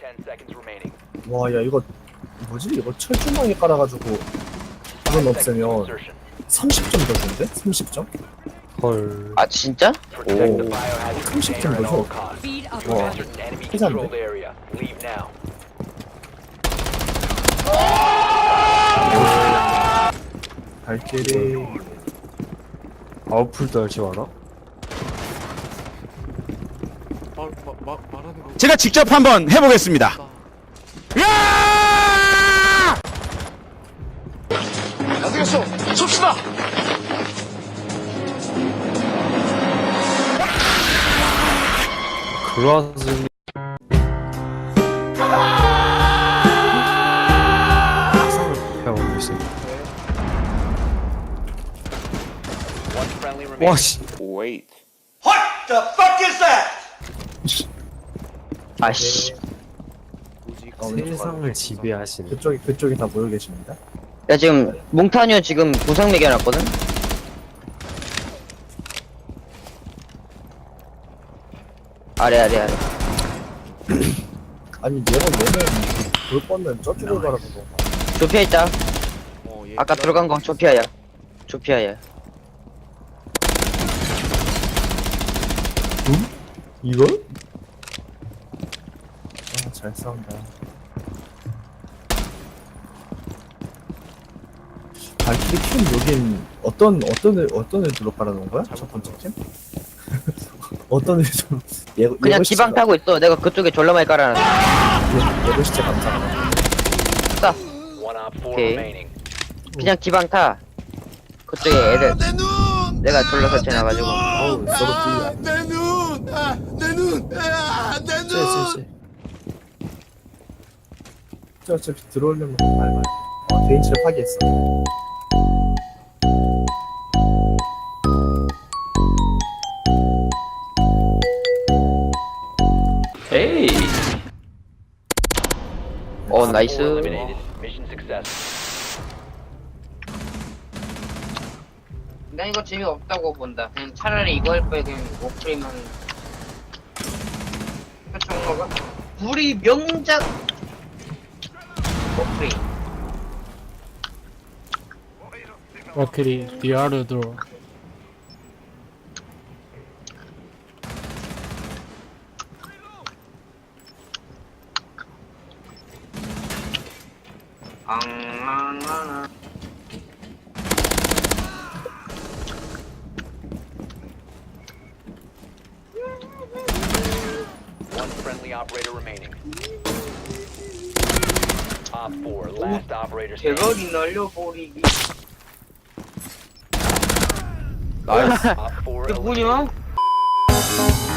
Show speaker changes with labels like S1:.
S1: 와, 야, 이거 뭐지? 이거 철조망에 깔아가지고 그건 없애면 30점 더 준대? 30점?
S2: 헐.
S3: 아 진짜?
S1: 오, 30점 더 줘. 와, 회사인데? 발길이
S2: 아웃풀도 할 줄 알아?
S4: 말하는 거.
S5: 제가 직접 한번 해보겠습니다. 야!
S4: 안 되겠어. 섭시다.
S2: 그라즈니 배우고 있어. 와씨.
S3: 아씨.
S2: 세상을 지배하시는.
S1: 그쪽에 다 모여 계십니다.
S3: 야 지금 몽타뉴 지금 부상 매겨놨거든? 아래.
S1: 아니, 얘는 볼 뻔은 저쪽을 바라보고.
S3: 조피아 있다. 아까 들어간 건 조피아야.
S1: 이걸? 아, 잘 싸운다. 발키리 팀 여긴 어떤 애들로 깔아놓은 거야? 첫 번째 팀? 어떤 애들
S3: 그냥 기방 타고 있어. 내가 그쪽에 졸라 많이 깔아놨어.
S1: 예고 시체 감사하다.
S3: 딱. 오케이. 그냥 기방 타. 그쪽에 애들. 내가 졸라 설치해놔가지고.
S1: 어우, 서로
S4: 내 눈! 내 눈! 내 눈!
S1: 어차피 들어오려면 밟아요. 개인치를 파괴했어.
S3: 에이. 나이스. 난 이거 재미없다고 본다. 그냥 차라리 이거 할 바에 그냥 워프레임만 정도가 우리 명작 워프레임.
S6: 와크리 리아르 들어.
S7: One friendly operator remaining. Op 4, last operator standing.
S3: 대거리 날려버리기.
S7: Op 4
S3: 이게
S7: eliminated.
S3: 뭐냐?